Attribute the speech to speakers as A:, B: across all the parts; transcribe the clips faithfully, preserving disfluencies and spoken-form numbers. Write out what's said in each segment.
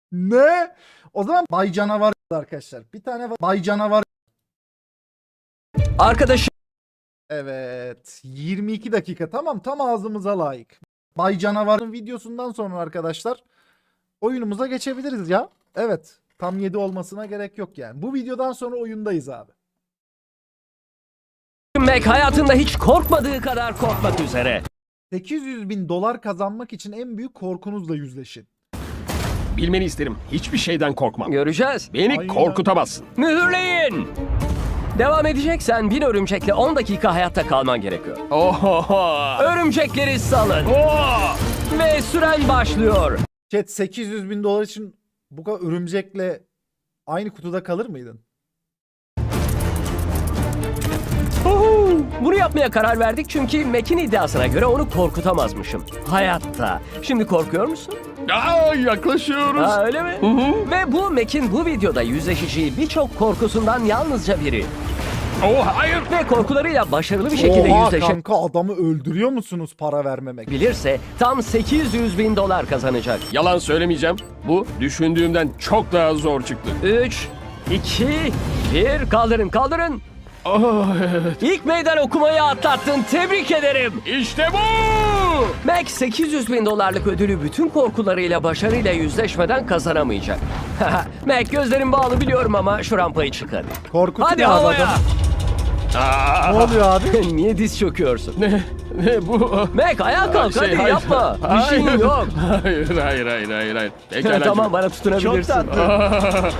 A: Ne? O zaman Bay Canavar arkadaşlar. Bir tane var. Bay Canavar.
B: Arkadaşım
A: Evet. yirmi iki dakika. Tamam, tam ağzımıza layık. Bay Canavar'ın videosundan sonra arkadaşlar oyunumuza geçebiliriz ya. Evet. Tam yedi olmasına gerek yok yani. Bu videodan sonra oyundayız abi.
B: Mac hayatında hiç korkmadığı kadar korkmak üzere.
A: sekiz yüz bin dolar kazanmak için en büyük korkunuzla yüzleşin.
C: Bilmeni isterim. Hiçbir şeyden korkmam.
B: Göreceğiz.
C: Beni
A: Aynen.
C: korkutamazsın.
B: Mühürleyin. Devam edeceksen bir örümcekle on dakika hayatta kalman gerekiyor.
C: Oho.
B: Örümcekleri salın.
C: Oh.
B: Ve süren başlıyor.
A: Chat, sekiz yüz bin dolar için bu kadar örümcekle aynı kutuda kalır mıydın?
B: Huhu! Bunu yapmaya karar verdik çünkü Mac'in iddiasına göre onu korkutamazmışım. Hayatta. Şimdi korkuyor musun?
C: Aa, yaklaşıyoruz.
B: Ha, öyle mi?
C: Hı hı.
B: Ve bu Mac'in bu videoda yüzleşeceği birçok korkusundan yalnızca biri.
C: Oh, hayır.
B: Ve korkularıyla başarılı bir şekilde
A: Oha
B: yüzleşebilirse
A: kanka, adamı öldürüyor musunuz para vermemek?
B: tam sekiz yüz bin dolar kazanacak.
C: Yalan söylemeyeceğim. Bu düşündüğümden çok daha zor çıktı.
B: üç, iki, bir. Kaldırın, kaldırın.
C: Oh, evet.
B: İlk meydan okumayı atlattın. Tebrik ederim.
C: İşte bu.
B: Mac sekiz yüz bin dolarlık ödülü bütün korkularıyla başarıyla yüzleşmeden kazanamayacak. Mac, gözlerin bağlı biliyorum ama şu rampayı çık hadi.
A: Korkutuyor
B: Hadi
A: abi
B: havaya.
A: adam.
C: Aa,
A: Ne oluyor abi?
B: Niye diz çöküyorsun?
C: ne, ne bu?
B: Mac, ayağa kalk
C: Şey,
B: hadi
C: hayır.
B: yapma. Bir
C: Hayır.
B: şeyin yok.
C: Hayır, hayır, hayır, hayır, hayır. Pekala.
B: Tamam, bana tutunabilirsin.
D: Çok tatlı.
C: Aa,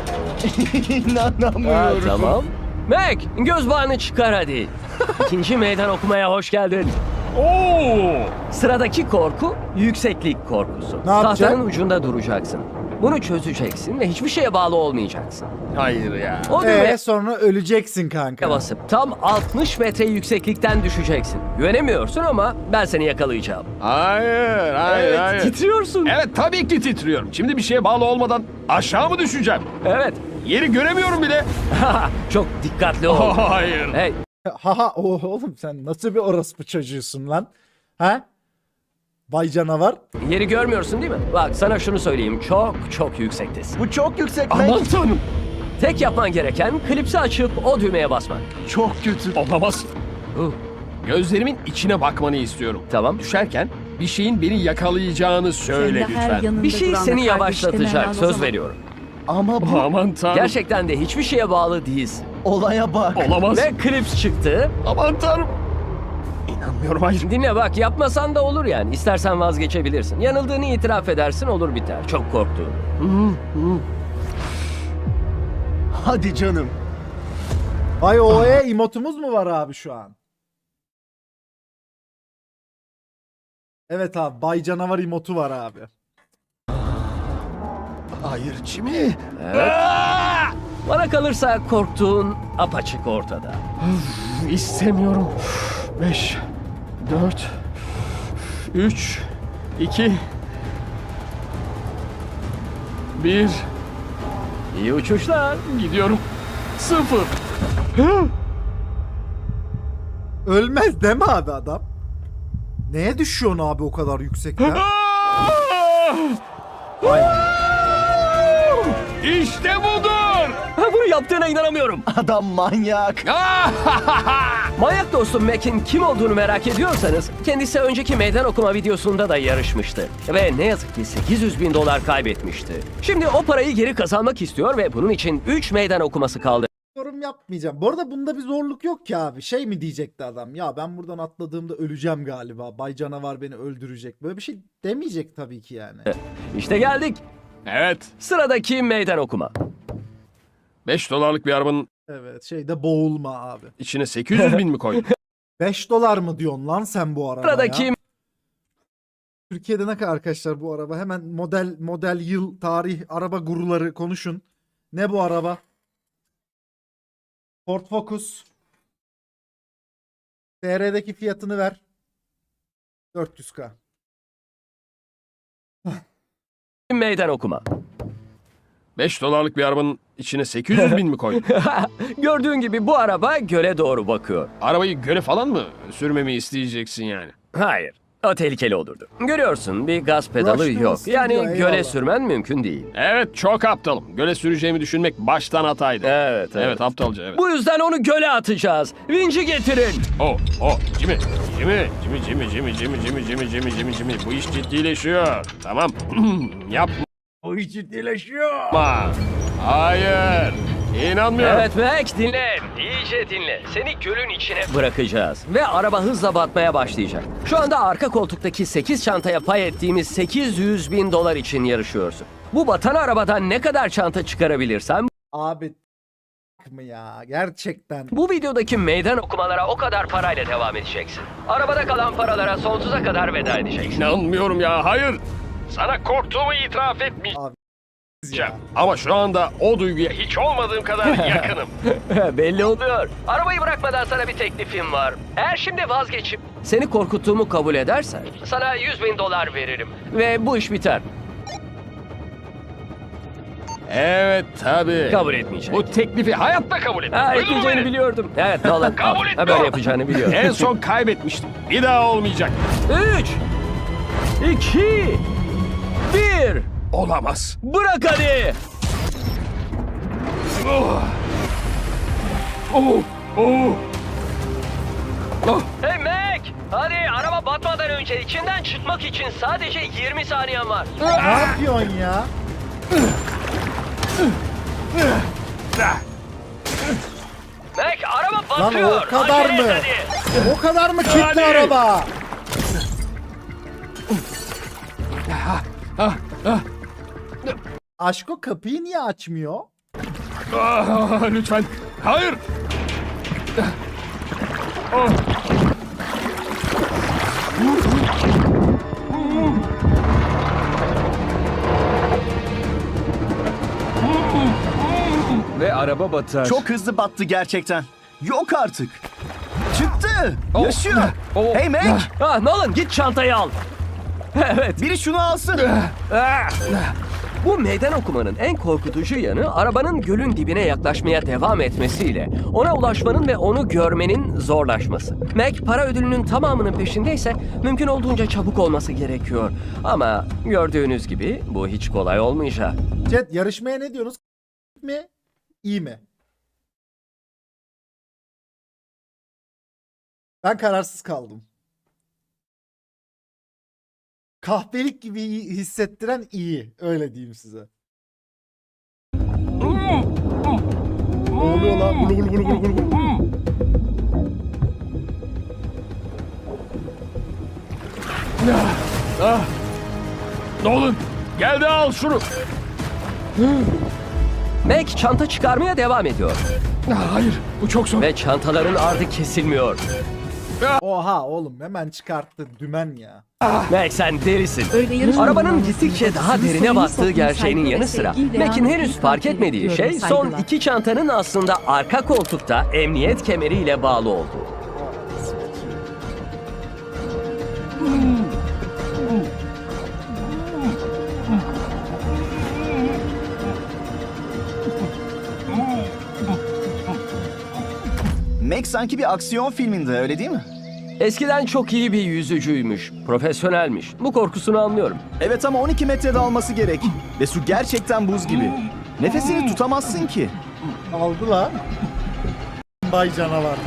D: İnanamıyorum.
B: Ha, tamam. Mac, göz bağını çıkar hadi. İkinci meydan okumaya hoş geldin.
C: Oo!
B: Sıradaki korku yükseklik korkusu.
A: Ne yapacak?
B: Tahtanın ucunda duracaksın. Bunu çözeceksin ve hiçbir şeye bağlı olmayacaksın.
C: Hayır ya.
B: O düğmeye
A: Eee sonra öleceksin kanka.
B: basıp tam altmış metre yükseklikten düşeceksin. Güvenemiyorsun ama ben seni yakalayacağım.
C: Hayır, hayır,
B: Evet,
C: hayır.
B: titriyorsun.
C: Evet, tabii ki titriyorum. Şimdi bir şeye bağlı olmadan aşağı mı düşeceğim?
B: Evet.
C: Yeri göremiyorum bile.
B: Çok dikkatli ol.
C: Oh, hayır.
B: Hey,
A: Haha o- oğlum sen nasıl bir orospu çocuğusun lan? Ha? Bay Canavar.
B: yeri görmüyorsun değil mi? Bak sana şunu söyleyeyim. Çok çok yüksektesin.
D: Bu çok yüksek Mac.
C: Aman tanrım.
B: Tek yapman gereken klipsi açıp o düğmeye basmak.
D: Çok kötü.
C: Olamaz.
B: Uh,
C: Gözlerimin içine bakmanı istiyorum.
B: tamam.
C: Düşerken bir şeyin beni yakalayacağını söyle
E: Senin de her
C: lütfen.
E: yanında
B: Bir şey
E: duran
B: seni
E: ve kardeşlerin
B: yavaşlatacak.
E: helal o
B: Söz
E: zaman.
B: veriyorum.
D: Ama bu
C: Aman tanrım.
B: Gerçekten de hiçbir şeye bağlı değilsin.
D: olaya bak.
C: Olamaz.
B: Ve klips çıktı.
C: Aman tanrım. İnanmıyorum, hayır.
B: Dinle bak, yapmasan da olur yani. İstersen vazgeçebilirsin. Yanıldığını itiraf edersin, olur biter. Çok korktuğunu.
D: Hadi canım.
A: Ay o e emotumuz mu var abi şu an? Evet abi, Bay Canavar emotu var abi.
C: Hayır, Jimmy.
B: Evet.
C: Aa!
B: Bana kalırsa korktuğun apaçık ortada.
C: İstemiyorum. Beş, dört, üç, iki, bir.
B: İyi uçuşlar.
C: Gidiyorum. Sıfır.
A: Ölmez değil mi abi adam? Neye düşüyorsun abi o kadar yüksekten?
C: İşte budur.
B: Ha, bunu yaptığına inanamıyorum.
D: Adam manyak.
B: Manyak dostum Mac'in kim olduğunu merak ediyorsanız kendisi önceki meydan okuma videosunda da yarışmıştı. Ve ne yazık ki sekiz yüz bin dolar kaybetmişti. Şimdi o parayı geri kazanmak istiyor ve bunun için üç meydan okuması kaldı.
A: Yorum yapmayacağım. Bu arada bunda bir zorluk yok ki abi. Şey mi diyecekti adam? Ya ben buradan atladığımda öleceğim galiba. Bay Canavar beni öldürecek. Böyle bir şey demeyecek tabii ki yani.
B: İşte geldik.
C: Evet.
B: Sıradaki meydan okuma.
C: Beş dolarlık bir arabanın
A: Evet, şeyde boğulma abi.
C: içine sekiz yüz bin mi koydun?
A: beş dolar mı diyorsun lan sen bu arabaya?
B: Sıradaki
A: Türkiye'de ne kadar arkadaşlar bu araba? Hemen model model yıl tarih araba guruları konuşun. Ne bu araba? Ford Focus. T R'deki fiyatını ver. dört yüz K.
B: meydan okuma.
C: Beş dolarlık bir arabanın içine sekiz yüz bin mi koydun?
B: Gördüğün gibi bu araba göle doğru bakıyor.
C: Arabayı göle falan mı sürmemi isteyeceksin yani?
B: Hayır. O tehlikeli olurdu. Görüyorsun bir gaz pedalı
A: Rush'ta
B: yok.
A: olsun
B: Yani
A: diyor,
B: göle
A: eyvallah.
B: sürmen mümkün değil.
C: Evet çok aptalım. Göle süreceğimi düşünmek baştan hataydı.
B: Evet, evet.
C: Evet aptalca evet.
B: Bu yüzden onu göle atacağız. Vinci getirin.
C: Oh oh Jimmy. Jimmy. Jimmy Jimmy Jimmy Jimmy Jimmy Jimmy Jimmy Jimmy Jimmy. Bu iş ciddileşiyor. Tamam. Yapma.
B: Bu iş ciddileşiyor.
C: Hayır. İnanmıyorum.
B: Evet Mac dinle. İyice dinle. Seni gölün içine bırakacağız. Ve araba hızla batmaya başlayacak. Şu anda arka koltuktaki sekiz çantaya pay ettiğimiz sekiz yüz bin dolar için yarışıyorsun. Bu batan arabadan ne kadar çanta çıkarabilirsem
A: Abi mı ya gerçekten.
B: bu videodaki meydan okumalara o kadar parayla devam edeceksin. Arabada kalan paralara sonsuza kadar veda edeceksin.
C: İnanmıyorum ya. Hayır. Sana korktuğumu itiraf etmeyeceğim.
A: Ya.
C: Ama şu anda o duyguya hiç olmadığım kadar yakınım.
B: Belli oluyor. Arabayı bırakmadan sana bir teklifim var. Eğer şimdi vazgeçip seni korkuttuğumu kabul edersen sana yüz bin dolar veririm. Ve bu iş biter.
C: Evet tabii.
B: Kabul etmeyecek.
C: Bu teklifi hayatta kabul etmem.
B: Ha,
C: Duydun mu
B: etmeyeceğini
C: beni?
B: biliyordum. Evet Nolan.
C: Kabul
B: Ha,
C: etmiyorum.
B: böyle yapacağını biliyorum.
C: En son kaybetmiştim. Bir daha olmayacak.
B: Üç, iki, bir.
C: Olamaz.
B: Bırak hadi.
C: Oh. Oh. Oh. Oh.
B: Hey Mac. Hadi araba batmadan önce içinden çıkmak için sadece yirmi saniyen var.
A: Ne yapıyorsun ya?
B: Mac araba
A: Lan
B: batıyor.
A: o kadar
B: Acele et
A: mı?
B: hadi.
A: O kadar mı kilitli
C: Hadi.
A: araba? Aşko kapıyı niye açmıyor?
C: Ah, lütfen. Hayır. Oh.
B: Ve araba batar.
D: Çok hızlı battı gerçekten. Yok artık. Çıktı. Yaşıyor.
C: Oh.
D: Hey Mac.
B: Ah Nolan git çantayı al. Evet.
D: Biri şunu alsın.
B: Ah! Bu meydan okumanın en korkutucu yanı arabanın gölün dibine yaklaşmaya devam etmesiyle ona ulaşmanın ve onu görmenin zorlaşması. Mac para ödülünün tamamının peşindeyse mümkün olduğunca çabuk olması gerekiyor. Ama gördüğünüz gibi bu hiç kolay olmayacak.
A: Chat yarışmaya ne diyorsunuz? Mi? İyi mi? Ben kararsız kaldım. Kahpelik gibi hissettiren iyi. Öyle diyeyim size. Ne oluyor lan? Gulu gulu gulu gulu gulu gulu.
C: Ah. Nolan. Gel de al şunu.
B: Mac çanta çıkarmaya devam ediyor.
C: Ah, hayır. Bu çok zor.
B: Ve çantaların ardı kesilmiyor.
A: Oha oğlum hemen çıkarttı dümen ya.
B: Mac sen delisin.
E: Öyle yarış
B: Arabanın
E: uygulamasında
B: gittikçe daha
E: sizin
B: derine
E: sayınız
B: battığı
E: toplum
B: gerçeğinin
E: saygı
B: yanı
E: ve
B: sıra
E: sevgiyle
B: Mac'in
E: anlatmayı
B: henüz fark
E: takip
B: etmediği
E: ediyorum,
B: şey son
E: saygılar.
B: iki çantanın aslında arka koltukta emniyet kemeriyle bağlı olduğu.
D: Mac sanki bir aksiyon filminde öyle değil mi?
B: Eskiden çok iyi bir yüzücüymüş, profesyonelmiş. Bu korkusunu anlıyorum.
D: Evet ama on iki metrede alması gerek. Ve su gerçekten buz gibi. Nefesini tutamazsın ki.
A: Aldı lan. Bay canavar.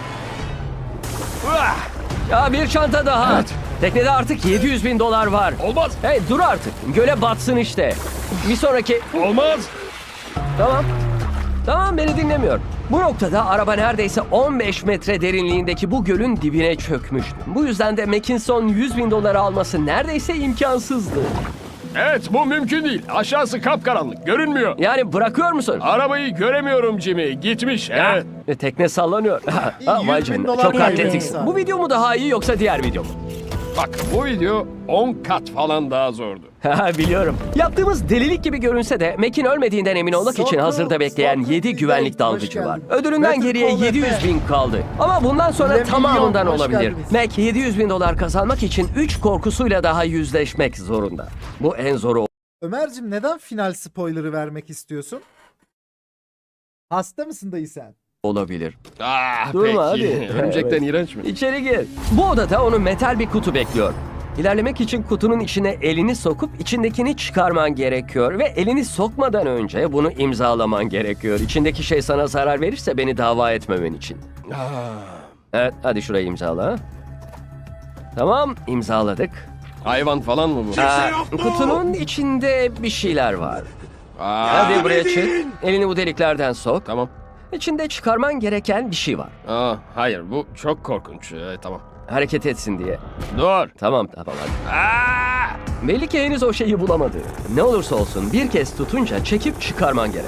B: Ya bir çanta daha. Teknede artık yedi yüz bin dolar var.
C: Olmaz.
B: Hey dur artık. Göle batsın işte. Bir sonraki...
C: Olmaz.
B: Tamam. Tamam beni dinlemiyor. Bu noktada araba neredeyse on beş metre derinliğindeki bu gölün dibine çökmüştü. Bu yüzden de Mackinson yüz bin doları alması neredeyse imkansızdı.
C: Evet bu mümkün değil. Aşağısı kapkaranlık. Görünmüyor.
B: Yani bırakıyor musun?
C: Arabayı göremiyorum Jimmy. Gitmiş. Evet.
B: E, tekne sallanıyor. Ha, vay
A: yüz bin
B: canına.
A: dolar
B: Çok
A: kaybetmiş
B: atletiksin.
A: abi.
B: Bu video mu daha iyi yoksa diğer video mu?
C: Bak bu video on kat falan daha zordu.
B: Ha, biliyorum. Yaptığımız delilik gibi görünse de Mac'in ölmediğinden emin olmak için
A: Sokul,
B: hazırda bekleyen
A: Sokul
B: yedi
A: Bey,
B: güvenlik
A: hoş
B: dalgıcı var.
A: geldin.
B: Ödülünden
A: Better
B: geriye
A: Call
B: yedi yüz
A: Efe.
B: bin kaldı. Ama bundan sonra
A: Milyon,
B: tamamından
A: hoş
B: olabilir.
A: geldiniz.
B: Mac yedi yüz bin dolar kazanmak için üç korkusuyla daha yüzleşmek zorunda. Bu en zoru
A: Ömer'cim neden final spoiler'ı vermek istiyorsun? Hasta mısın dayı sen?
B: olabilir.
C: Ah
B: Durma,
C: peki.
B: hadi.
C: Örümcekten
B: Evet.
C: iğrenç mi?
B: İçeri gir. Bu odada onu metal bir kutu bekliyor. İlerlemek için kutunun içine elini sokup içindekini çıkarman gerekiyor ve elini sokmadan önce bunu imzalaman gerekiyor. İçindeki şey sana zarar verirse beni dava etmemen için. Evet, hadi şurayı imzala. Tamam, imzaladık.
C: Hayvan falan mı bu?
B: Aa, kutunun içinde bir şeyler var.
C: Aa,
B: Hadi buraya çık. Elini bu deliklerden sok.
C: Tamam.
B: İçinde çıkarman gereken bir şey var.
C: Aa, hayır bu çok korkunç. Ee, tamam.
B: Hareket etsin diye.
C: Dur.
B: Tamam, tamam hadi.
C: Aa!
B: Belli ki henüz o şeyi bulamadı. Ne olursa olsun bir kez tutunca çekip çıkarman gerek.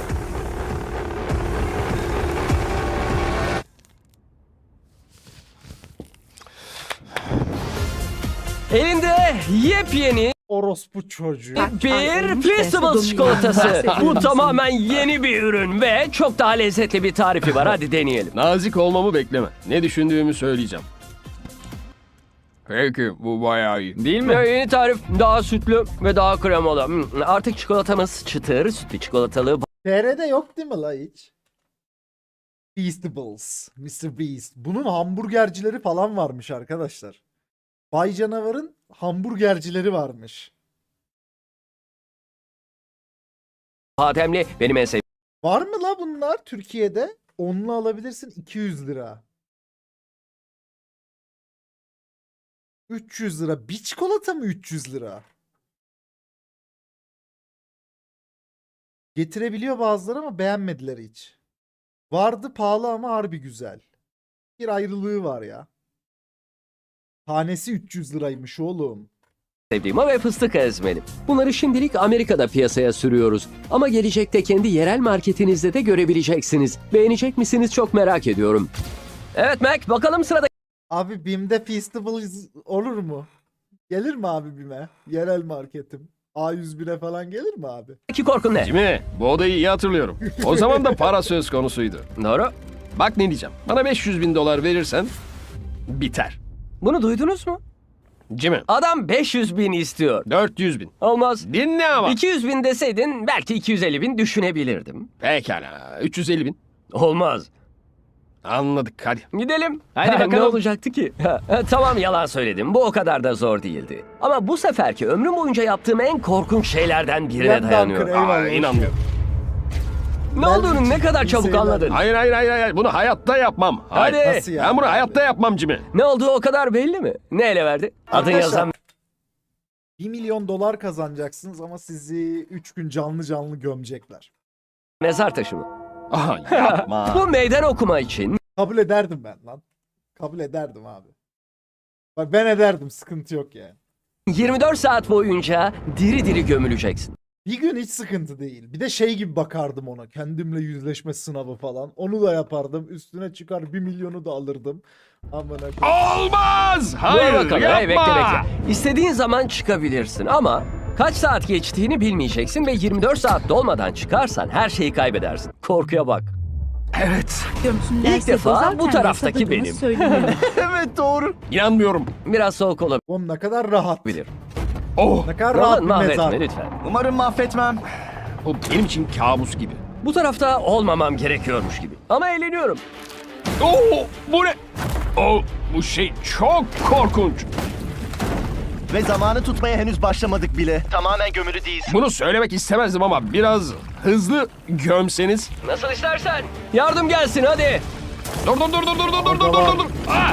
B: Elinde yepyeni
A: Orospu çocuğu.
B: bir Feastables çikolatası. Bu tamamen yeni bir ürün ve çok daha lezzetli bir tarifi var. Hadi deneyelim.
C: Nazik olmamı bekleme. Ne düşündüğümü söyleyeceğim. Peki bu bayağı iyi.
B: Değil mi? Yeni tarif daha sütlü ve daha kremalı. Hmm, Artık çikolatamız çıtır, sütlü çikolatalı,
A: T R'de yok değil mi la hiç? Feastables. mister Beast. Bunun hamburgercileri falan varmış arkadaşlar. Bay Canavar'ın hamburgercileri varmış.
B: bademli. Benim en sevdiğim.
A: Var mı la bunlar Türkiye'de? Onlu alabilirsin iki yüz lira. üç yüz lira. Bir çikolata mı üç yüz lira? Getirebiliyor bazıları ama beğenmediler hiç. Vardı pahalı ama harbi güzel. Bir ayrılığı var ya. Tanesi üç yüz liraymış oğlum.
B: sevdiğim ve fıstık ezmeli. Bunları şimdilik Amerika'da piyasaya sürüyoruz. Ama gelecekte kendi yerel marketinizde de görebileceksiniz. Beğenecek misiniz çok merak ediyorum. Evet Mac, bakalım sırada
A: Abi BİM'de Feastables olur mu? Gelir mi abi BİM'e? Yerel marketim. A yüz bire falan gelir mi abi?
B: iki korkun ne?
C: Jimmy, bu odayı iyi hatırlıyorum. O zaman da para söz konusuydu.
B: Doğru.
C: Bak ne diyeceğim. Bana beş yüz bin dolar verirsen biter.
B: Bunu duydunuz mu?
C: Jimmy,
B: Adam beş yüz bin istiyor.
C: dört yüz bin.
B: Olmaz.
C: Dinle ama.
B: iki yüz bin deseydin belki iki yüz elli bin düşünebilirdim.
C: Pekala. üç yüz elli bin.
B: Olmaz.
C: Anladık hadi.
B: Gidelim.
C: Hadi
B: Ha, Ne
C: bakalım.
B: olacaktı ki? Ha, ha, tamam yalan söyledim. Bu o kadar da zor değildi. Ama bu seferki ömrüm boyunca yaptığım en korkunç şeylerden birine
A: Bülent
B: dayanıyor.
A: Dankır, eyvallah.
C: Aa, inanmıyorum.
B: Ne olduğunu ne kadar
A: İyi
B: çabuk
A: seyirler.
B: anladın.
C: Hayır hayır hayır hayır. Bunu hayatta yapmam. Hayır.
B: Hadi.
A: Nasıl yani?
C: Ben bunu hayatta yapmam Jimmy.
B: Ne olduğu o kadar belli mi? Ne ele verdi? Adın
A: Arkadaşlar,
B: yazan
A: bir milyon dolar kazanacaksınız ama sizi üç gün canlı canlı gömecekler.
B: mezar taşı mı?
C: Aha yapma.
B: Bu meydan okuma için
A: Kabul ederdim ben lan. Kabul ederdim abi. Bak ben ederdim, sıkıntı yok yani.
B: yirmi dört saat boyunca diri diri gömüleceksin.
A: Bir gün hiç sıkıntı değil. Bir de şey gibi bakardım ona. Kendimle yüzleşme sınavı falan. Onu da yapardım. Üstüne çıkar bir milyonu da alırdım. Amına koyayım.
C: Olmaz.
B: Dur
C: Hayır
B: bakalım.
C: yapma.
B: Hey, bekle bekle. İstediğin zaman çıkabilirsin ama kaç saat geçtiğini bilmeyeceksin ve yirmi dört saat dolmadan çıkarsan her şeyi kaybedersin. Korkuya bak.
C: Evet.
B: İlk defa bu taraftaki benim.
D: Evet doğru.
C: İnanmıyorum.
B: Biraz soğuk olabilir.
A: Oğlum ne kadar rahat.
C: Oh.
A: Ne kadar rahat
B: Roman
A: bir mezar.
B: mahvetme lütfen.
D: Umarım mahvetmem.
C: Bu benim için kabus gibi.
B: Bu tarafta olmamam gerekiyormuş gibi. Ama eğleniyorum.
C: Oh, bu ne? Oh, bu şey çok korkunç.
E: Ve zamanı tutmaya henüz başlamadık bile. Tamamen gömülü değilsin.
C: Bunu söylemek istemezdim ama biraz hızlı gömseniz.
B: Nasıl istersen. Yardım gelsin hadi.
C: Dur dur dur dur dur dur dur dur dur dur. Ah!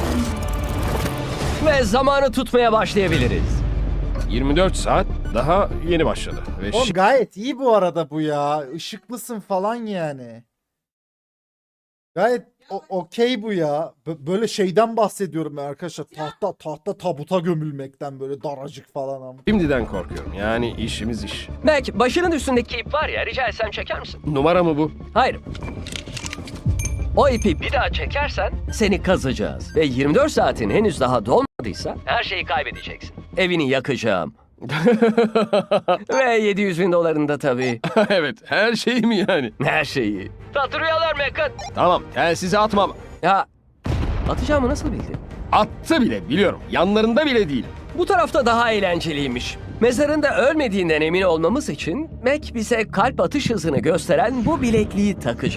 B: Ve zamanı tutmaya başlayabiliriz.
C: yirmi dört saat daha yeni başladı. Ve
A: Oğlum
C: şi-
A: gayet iyi bu arada bu ya. Işıklısın falan yani. Gayet o- okey bu ya. Bö- böyle şeyden bahsediyorum ben arkadaşlar. Tahta tahta tabuta gömülmekten böyle daracık falan ama.
C: şimdiden korkuyorum. Yani işimiz iş.
B: Belki başının üstündeki ip var ya, rica etsem çeker misin?
C: Numara mı bu?
B: Hayır. O ipi bir daha çekersen seni kazacağız. Ve yirmi dört saatin henüz daha dolmadıysa her şeyi kaybedeceksin. Evini yakacağım. Ve yedi yüz bin dolarını da tabii.
C: Evet, her şey mi yani?
B: Her şeyi. Tatlı rüyalar Mekat.
C: Tamam, telsizi atmam.
B: Ya atacağımı nasıl bildin?
C: Attı bile biliyorum. Yanlarında bile değil.
B: Bu tarafta daha eğlenceliymiş. Mezarında ölmediğinden emin olmamız için Mac bize kalp atış hızını gösteren bu bilekliği takacak.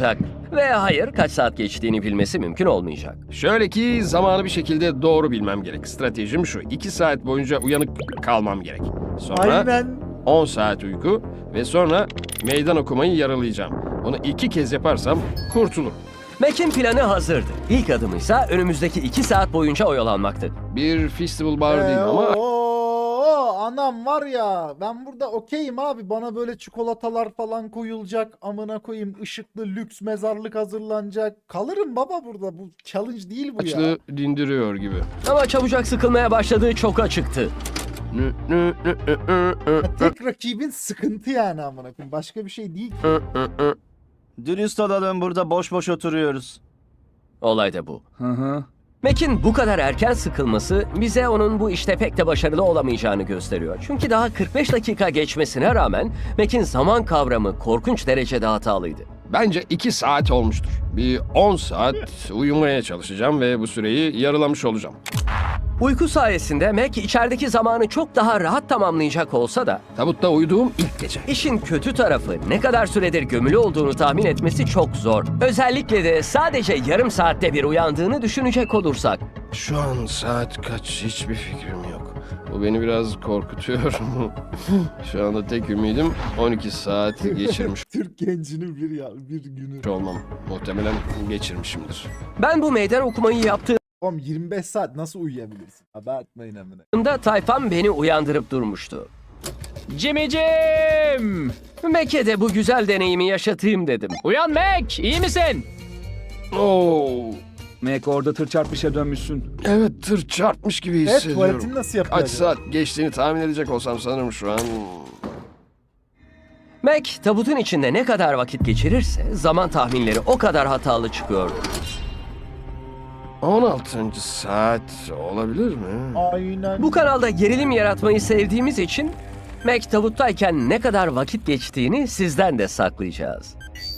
B: Ve hayır, kaç saat geçtiğini bilmesi mümkün olmayacak.
C: Şöyle ki zamanı bir şekilde doğru bilmem gerek. Stratejim şu. iki saat boyunca uyanık kalmam gerek. Sonra
A: Aynen.
C: on saat uyku ve sonra meydan okumayı yaralayacağım. Bunu iki kez yaparsam kurtulurum.
B: Mac'in planı hazırdı. İlk adımıysa önümüzdeki iki saat boyunca oyalanmaktı.
C: Bir festival bar değil
A: Ee,
C: ama
A: oo, anam var ya, ben burada okeyim abi, bana böyle çikolatalar falan koyulacak, amına koyayım, ışıklı lüks mezarlık hazırlanacak, kalırım baba burada, bu challenge değil bu ya.
C: açlığı dindiriyor gibi.
B: Ama çabucak sıkılmaya başladığı çok açıktı.
C: Nü, nü, nü, nü, nü, nü,
A: Tek rakibin sıkıntı yani, amına koyayım, başka bir şey değil.
C: nü, nü, nü.
D: Dürüst olalım, burada boş boş oturuyoruz.
B: Olay da bu.
D: Hı hı.
B: Mac'in bu kadar erken sıkılması bize onun bu işte pek de başarılı olamayacağını gösteriyor. Çünkü daha kırk beş dakika geçmesine rağmen Mac'in zaman kavramı korkunç derecede hatalıydı.
C: Bence iki saat olmuştur. Bir on saat uyumaya çalışacağım ve bu süreyi yarılamış olacağım.
B: Uyku sayesinde Mac içerideki zamanı çok daha rahat tamamlayacak olsa da
C: Tabutta uyuduğum ilk gece.
B: işin kötü tarafı ne kadar süredir gömülü olduğunu tahmin etmesi çok zor. Özellikle de sadece yarım saatte bir uyandığını düşünecek olursak.
C: Şu an saat kaç hiçbir fikrim yok. Bu beni biraz korkutuyor. Şu anda tek ümidim on iki saat geçirmiş
A: Türk gencinin bir ya bir günü.
C: olmam. Muhtemelen geçirmişimdir.
B: Ben bu meydan okumayı yaptığımda
A: Oğlum yirmi beş saat nasıl uyuyabilirsin? Abartmayın amına.
B: tayfam beni uyandırıp durmuştu.
F: Cimicim!
B: Mac'e de bu güzel deneyimi yaşatayım dedim.
F: Uyan Mac, iyi misin?
C: Oo,
D: Mac, orada tır çarpmışa dönmüşsün.
C: evet tır çarpmış gibi
A: Evet,
C: hissediyorum.
A: tuvaletini nasıl yapıyor
C: Kaç
A: acaba?
C: saat geçtiğini tahmin edecek olsam sanırım şu an.
B: Mac tabutun içinde ne kadar vakit geçirirse zaman tahminleri o kadar hatalı çıkıyordu.
C: on altıncı saat olabilir mi?
A: Aynen.
B: Bu kanalda gerilim yaratmayı sevdiğimiz için Mac tabuttayken ne kadar vakit geçtiğini sizden de saklayacağız.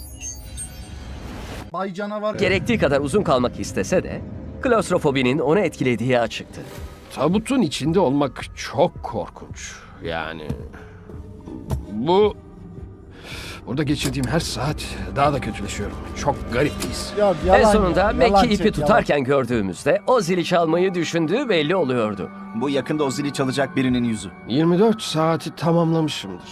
A: Bay canavar.
B: Gerektiği kadar uzun kalmak istese de klostrofobinin onu etkilediği açıktı.
C: Tabutun içinde olmak çok korkunç. Yani bu burada geçirdiğim her saat daha da kötüleşiyorum. Çok garip bir his.
A: Ya, yalan
B: En sonunda
A: ya,
B: Mac'i
A: yalan
B: ipi
A: çek,
B: tutarken gördüğümüzde o zili çalmayı düşündüğü belli oluyordu.
D: Bu yakında o zili çalacak birinin yüzü.
C: yirmi dört saati tamamlamışımdır.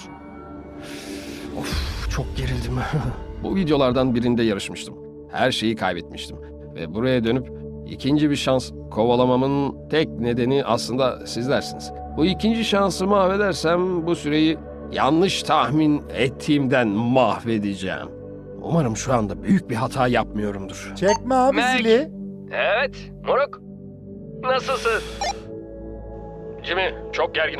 C: Of, çok gerildim. Bu videolardan birinde yarışmıştım. Her şeyi kaybetmiştim. Ve buraya dönüp ikinci bir şans kovalamamın tek nedeni aslında sizlersiniz. Bu ikinci şansı mahvedersem bu süreyi yanlış tahmin ettiğimden mahvedeceğim. Umarım şu anda büyük bir hata yapmıyorumdur.
A: ya. Çekme abi
B: Mac.
A: zili.
B: Evet, moruk. Nasılsın?
C: Jimmy, çok gerginim.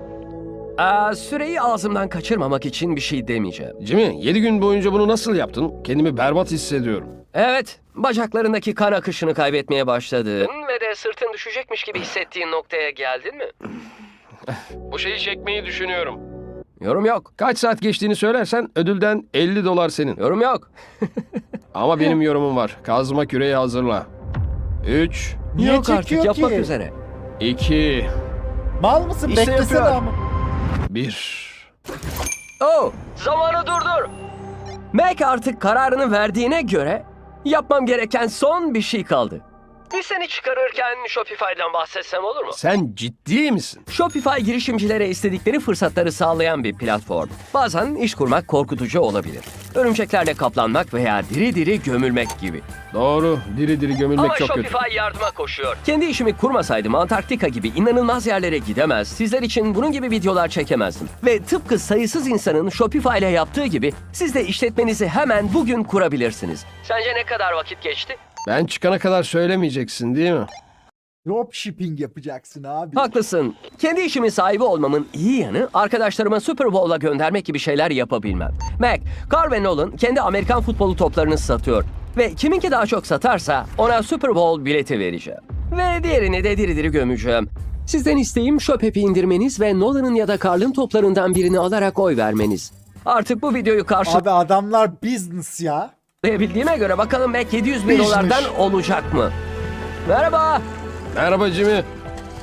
B: Aa, süreyi ağzımdan kaçırmamak için bir şey demeyeceğim.
C: Jimmy, yedi gün boyunca bunu nasıl yaptın? Kendimi berbat hissediyorum.
B: Evet, bacaklarındaki kan akışını kaybetmeye başladın ve de sırtın düşecekmiş gibi hissettiğin noktaya geldin mi?
C: Bu şeyi çekmeyi düşünüyorum.
B: Yorum yok,
C: Kaç saat geçtiğini söylersen ödülden elli dolar senin.
B: yorum yok.
C: Ama benim yorumum var. Kazma küreği hazırla. üç,
A: Niye
B: yok artık,
A: çekiyor
B: yapmak
A: ki?
B: üzere.
C: iki,
A: Mal mısın?
B: İşte
A: Beklesene
B: yapıyor.
A: ama.
C: bir.
B: Oh, zamanı durdur. Mac artık kararını verdiğine göre yapmam gereken son bir şey kaldı. Bir seni çıkarırken Shopify'dan bahsetsem olur mu?
C: Sen ciddi misin?
B: Shopify girişimcilere istedikleri fırsatları sağlayan bir platform. Bazen iş kurmak korkutucu olabilir. Örümceklerle kaplanmak veya diri diri gömülmek gibi.
C: Doğru. Diri diri gömülmek
B: Ama
C: çok kötü.
B: Shopify yardıma koşuyor. Kendi işimi kurmasaydım Antarktika gibi inanılmaz yerlere gidemez, sizler için bunun gibi videolar çekemezdim. Ve tıpkı sayısız insanın Shopify ile yaptığı gibi siz de işletmenizi hemen bugün kurabilirsiniz. Sence ne kadar vakit geçti?
C: Ben çıkana kadar söylemeyeceksin değil mi?
A: Dropshipping yapacaksın abi.
B: Haklısın. Kendi işimin sahibi olmamın iyi yanı arkadaşlarıma Super Bowl'a göndermek gibi şeyler yapabilmem. Mac, Carl ve Nolan kendi Amerikan futbolu toplarını satıyor. Ve kiminki daha çok satarsa ona Super Bowl bileti vereceğim. Ve diğerini de diri diri gömeceğim. Sizden isteğim Shop-app'i indirmeniz ve Nolan'ın ya da Carl'ın toplarından birini alarak oy vermeniz. Artık bu videoyu
A: Abi adamlar business ya.
B: karşılayabildiğime göre bakalım Mac yedi yüz bin
A: Business.
B: dolardan olacak mı? Merhaba.
C: Merhaba Jimmy.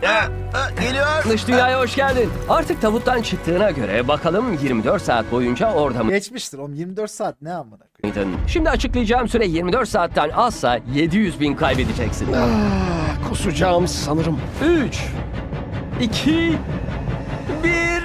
E: Geliyor.
B: Dış dünyaya hoş geldin. Artık tabuttan çıktığına göre bakalım yirmi dört saat boyunca orada
A: Geçmiştir oğlum, yirmi dört saat ne amına koyayım.
B: mıydın? Şimdi açıklayacağım süre yirmi dört saatten azsa yedi yüz bin kaybedeceksin.
C: Ah, kusacağım sanırım.
B: üç, iki, bir...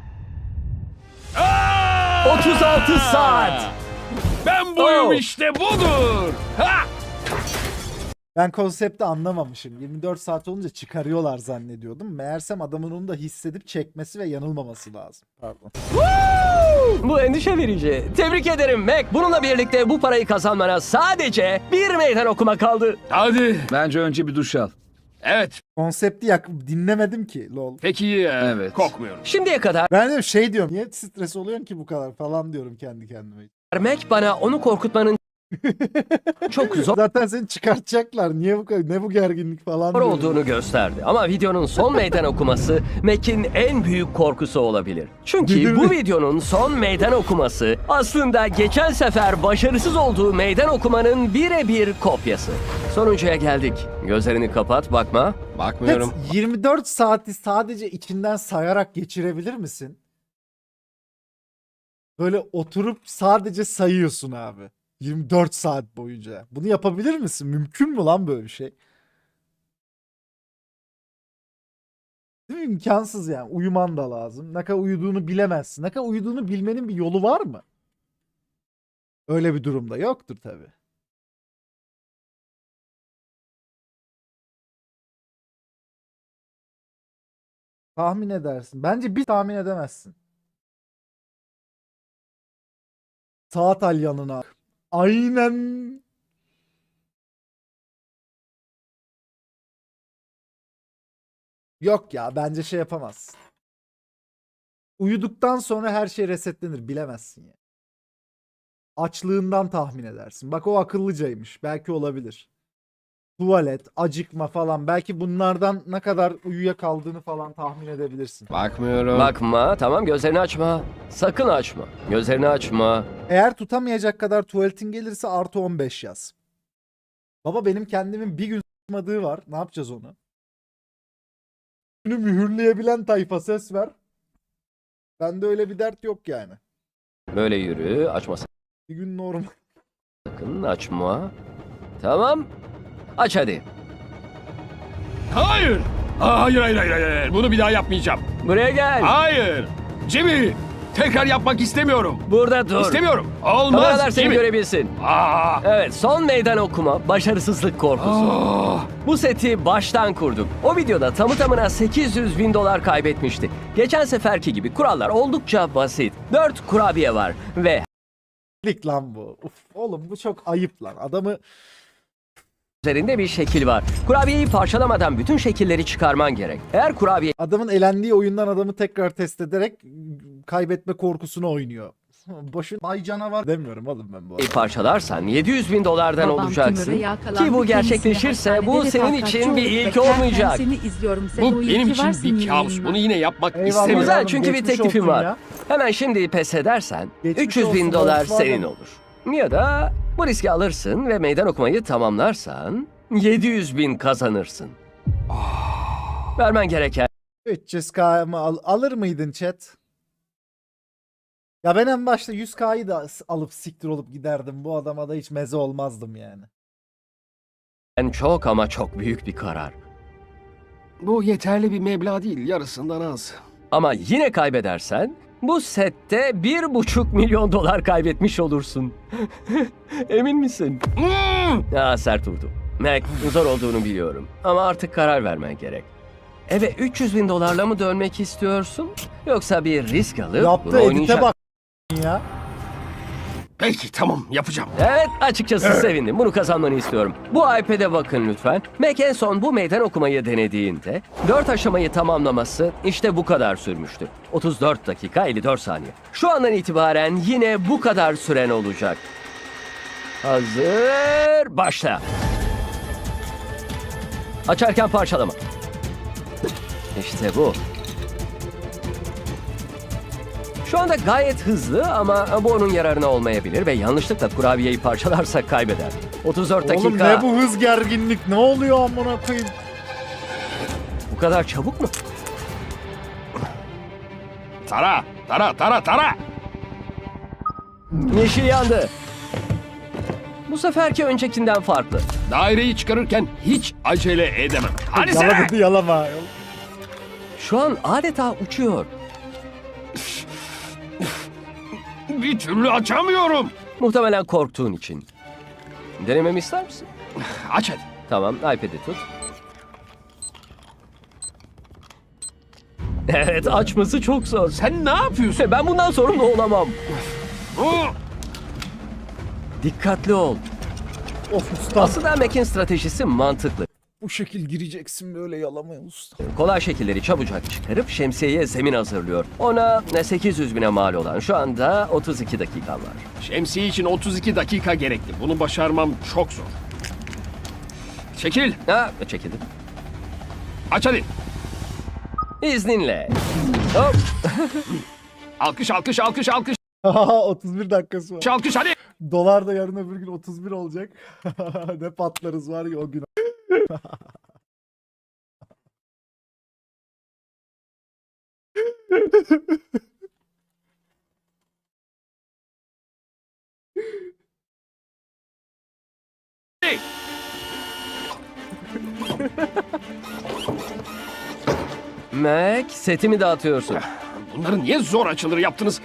B: otuz altı saat.
C: Ben
B: buyum
C: işte budur. Ha!
A: Ben konsepti anlamamışım. yirmi dört saat olunca çıkarıyorlar zannediyordum. Meğersem adamın onu da hissedip çekmesi ve yanılmaması lazım. Pardon.
B: Bu endişe verici. Tebrik ederim Mac. Bununla birlikte bu parayı kazanmana sadece bir meydan okuma kaldı.
C: Hadi.
G: Bence önce bir duş al.
C: Evet.
A: Konsepti yak dinlemedim ki lol.
C: Peki e,
G: Evet.
C: kokmuyorum.
B: Şimdiye kadar
A: Ben de şey diyorum. Niye stres oluyorsun ki bu kadar falan diyorum kendi kendime.
B: Mac bana onu korkutmanın çok zor
A: Zaten seni çıkartacaklar. Niye bu kadar ne bu gerginlik falan diyorum.
B: olduğunu gösterdi. Ama videonun son meydan okuması Mac'in en büyük korkusu olabilir. Çünkü
A: Değil mi?
B: bu videonun son meydan okuması aslında geçen sefer başarısız olduğu meydan okumanın birebir kopyası. Sonuncuya geldik. Gözlerini kapat, bakma.
C: Bakmıyorum.
A: Pet, yirmi dört saati sadece içinden sayarak geçirebilir misin? Böyle oturup sadece sayıyorsun abi. yirmi dört saat boyunca. Bunu yapabilir misin? Mümkün mü lan böyle bir şey? Değil mi? İmkansız yani. Uyuman da lazım. Ne kadar uyuduğunu bilemezsin. Ne kadar uyuduğunu bilmenin bir yolu var mı? Öyle bir durumda yoktur tabii. Tahmin edersin. Bence bir tahmin edemezsin. Saat al yanına. Aynen. Yok ya, bence şey yapamazsın. Uyuduktan sonra her şey resetlenir, bilemezsin ya. Açlığından tahmin edersin. Bak o akıllıcaymış. Belki olabilir. Tuvalet, acıkma falan. Belki bunlardan ne kadar uyuyakaldığını falan tahmin edebilirsin.
C: Bakmıyorum.
B: Bakma, tamam gözlerini açma. Sakın açma. Gözlerini açma.
A: Eğer tutamayacak kadar tuvaletin gelirse artı on beş yaz. Baba benim kendimin bir gün s**madığı var. Ne yapacağız onu? Günü mühürleyebilen tayfa ses ver. Bende öyle bir dert yok yani.
B: Böyle yürü, açma
A: Bir gün normal.
B: sakın, açma. Tamam. Aç hadi.
C: Hayır. Aa, hayır, hayır, hayır, hayır. Bunu bir daha yapmayacağım.
B: Buraya gel.
C: Hayır. Jimmy. Tekrar yapmak istemiyorum.
B: Burada dur.
C: İstemiyorum.
B: Kameralar
C: Olmaz
B: seni
C: Jimmy.
B: görebilsin.
C: Aa.
B: Evet, son meydan okuma, başarısızlık korkusu.
C: Aa.
B: Bu seti baştan kurduk. O videoda tamı tamına sekiz yüz bin dolar kaybetmişti. Geçen seferki gibi kurallar oldukça basit. dört kurabiye var ve
A: Lik lan bu. Uf, oğlum bu çok ayıp lan. Adamı
B: üzerinde bir şekil var. Kurabiyeyi parçalamadan bütün şekilleri çıkarman gerek. Eğer kurabiyeyi
A: adamın elendiği oyundan adamı tekrar test ederek kaybetme korkusunu oynuyor. Boşun bay canavar demiyorum oğlum ben bu arada.
B: parçalarsan yedi yüz bin dolardan
H: Babam
B: olacaksın.
H: tümöre yakalandı.
B: Ki bu
H: Kendisini
B: gerçekleşirse bu
H: hastanede
B: senin
H: refakatçi
B: için bir
H: olup
B: ilk
H: beklerken
B: olmayacak.
H: Seni izliyorum. Sen
C: Bu
H: o iyi
C: benim
H: ki
C: için
H: varsın
C: bir kabus.
H: yayınına.
C: Bunu yine yapmak
A: Eyvallah.
C: istemiyorum.
B: Güzel,
A: oğlum,
B: çünkü bir
A: geçmiş
B: teklifim
A: olsun
B: var.
A: ya.
B: Hemen şimdi pes edersen
A: Geçmiş
B: üç yüz bin
A: olsun,
B: dolar
A: Volkswagen.
B: senin olur. Ya da bu riski alırsın ve meydan okumayı tamamlarsan yedi yüz bin kazanırsın. Vermen gereken
A: üç yüz K mı al- alır mıydın chat? Ya ben en başta yüz K'yı da s- alıp siktir olup giderdim. Bu adama da hiç meze olmazdım yani.
B: çok ama çok büyük bir karar.
C: Bu yeterli bir meblağ değil. Yarısından az.
B: Ama yine kaybedersen bu sette bir buçuk milyon dolar kaybetmiş olursun. Emin misin?
C: Hmm.
B: Ya sert vurdu. Mac, zor olduğunu biliyorum. Ama artık karar vermen gerek. Eve üç yüz bin dolarla mı dönmek istiyorsun? Yoksa bir risk alıp
A: Yaptığı
B: bunu
A: edite
B: oynayacak.
A: bak ya.
C: Peki tamam yapacağım.
B: Evet, açıkçası sevindim. Bunu kazanmanı istiyorum. Bu iPad'e bakın lütfen. Mac en son bu meydan okumayı denediğinde dört aşamayı tamamlaması işte bu kadar sürmüştü. otuz dört dakika elli dört saniye. Şu andan itibaren yine bu kadar süren olacak. Hazır, başla. Açarken parçalama. İşte bu. Şu anda gayet hızlı ama bu onun yararına olmayabilir ve yanlışlıkla kurabiyeyi parçalarsa kaybeder. otuz dört dakika.
A: Oğlum ne bu hız gerginlik? Ne oluyor amına koyayım?
B: Bu kadar çabuk mu?
C: Tara, tara, tara, tara.
B: Yeşil yandı. Bu seferki öncekinden farklı.
C: Daireyi çıkarırken hiç acele edemem. Hadi sen.
A: Yalamadı yalama.
B: Şu an adeta uçuyor.
C: Bir türlü açamıyorum.
B: Muhtemelen korktuğun için. Denememi ister misin?
C: Aç hadi.
B: Tamam, iPad'i tut. Evet, açması çok zor.
C: Sen ne yapıyorsun?
B: Ben bundan sorumlu olamam.
C: Oo,
B: Dikkatli ol.
A: Of usta.
B: Aslında Mac'in stratejisi mantıklı.
A: Bu şekil gireceksin böyle yalamaya usta.
B: Kolay şekilleri çabucak çıkarıp şemsiyeye zemin hazırlıyor. Ona sekiz yüz bine mal olan şu anda otuz iki dakikan var.
C: şemsiye için otuz iki dakika gerekli. Bunu başarmam çok zor. Çekil.
B: Ha, çekildim.
C: Aç hadi.
B: İzninle. Hop.
C: Alkış, alkış, alkış, alkış,
A: otuz bir dakikası var.
C: alkış hadi.
A: Dolar da yarın öbür gün otuz bir olacak. Ne patlarız var ya o gün.
B: Mac, setimi dağıtıyorsun.
C: Bunları niye zor açılır yaptınız?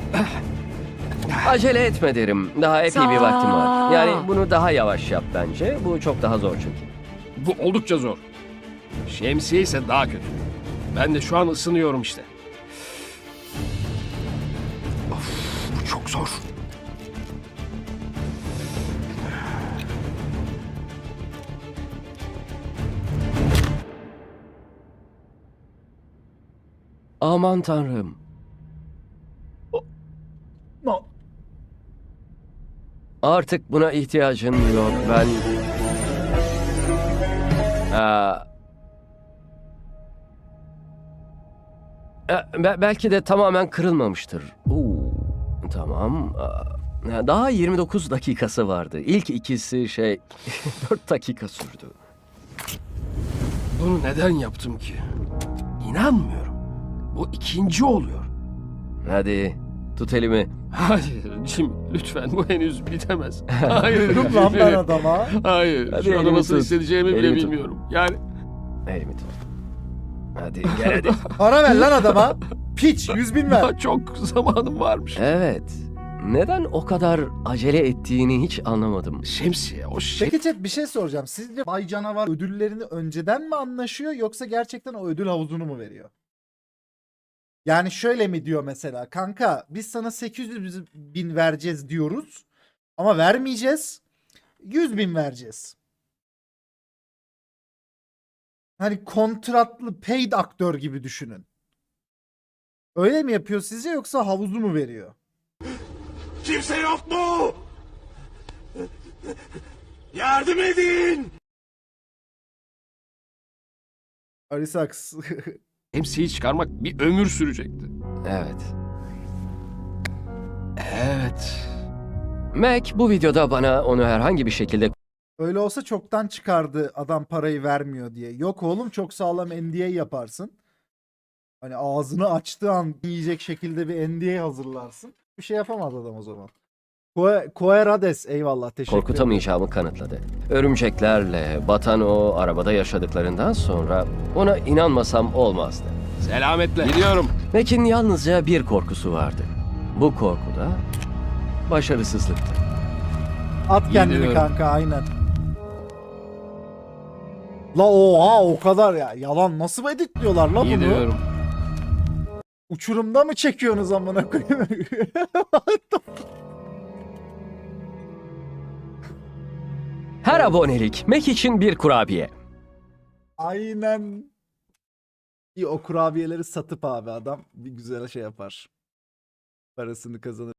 B: Acele etme derim. Daha epey bir vaktim var. Yani bunu daha yavaş yap bence. Bu çok daha zor çünkü.
C: Bu oldukça zor. Şemsiye ise daha kötü. Ben de şu an ısınıyorum işte. Of, bu çok zor.
B: Aman tanrım.
A: No.
B: Artık buna ihtiyacın yok. Ben... Aa... E, be- belki de tamamen kırılmamıştır. Oo, tamam. Aa, daha yirmi dokuz dakikası vardı. İlk ikisi şey dört dakika sürdü.
C: Bunu neden yaptım ki? İnanmıyorum. Bu ikinci oluyor.
B: Hadi tut elimi.
C: Hayır Jim, lütfen bu henüz bitemez. Hayır.
A: Dur lan ben adama.
C: Hayır.
B: Hadi
C: şu anda
B: elimi
C: nasıl
B: tut.
C: hissedeceğimi bile
B: Elimi tut.
C: bilmiyorum. Yani
B: Elimi tut. Hadi gel hadi.
A: Para ver lan adama. Piç yüz bin ver.
C: daha çok zamanım varmış.
B: Evet. Neden o kadar acele ettiğini hiç anlamadım.
C: Şemsiye, o şey...
A: Peki chat bir şey soracağım. Sizce Bay Canavar ödüllerini önceden mi anlaşıyor yoksa gerçekten o ödül havuzunu mu veriyor? Yani şöyle mi diyor mesela, kanka biz sana sekiz yüz bin vereceğiz diyoruz ama vermeyeceğiz, yüz bin vereceğiz. Hani kontratlı paid aktör gibi düşünün. Öyle mi yapıyor sizce yoksa havuzu mu veriyor?
G: Kimse yok mu? Yardım edin!
A: Arisax.
C: Şemsiyeyi çıkarmak bir ömür sürecekti.
B: Evet.
C: Evet.
B: Mac bu videoda bana onu herhangi bir şekilde
A: Öyle olsa çoktan çıkardı adam parayı vermiyor diye. Yok oğlum, çok sağlam N D A yaparsın. Hani ağzını açtığı an yiyecek şekilde bir N D A hazırlarsın. Bir şey yapamaz adam o zaman. Koe- Koerades eyvallah, teşekkür ederim.
B: korkutamayacağımı kanıtladı. Örümceklerle batan o arabada yaşadıklarından sonra ona inanmasam olmazdı.
C: Selametle. Gidiyorum.
B: Mac'in yalnızca bir korkusu vardı. Bu korku da başarısızlıktı.
A: At kendini
C: Gidiyorum.
A: kanka, aynen. La oha, o kadar ya. Yalan nasıl editliyorlar la bunu?
C: Gidiyorum.
A: Uçurumda mı çekiyorsunuz amına koyayım?
B: Her abonelik Mac için bir kurabiye.
A: Aynen. İyi, o kurabiyeleri satıp abi adam bir güzel şey yapar. Parasını kazanır.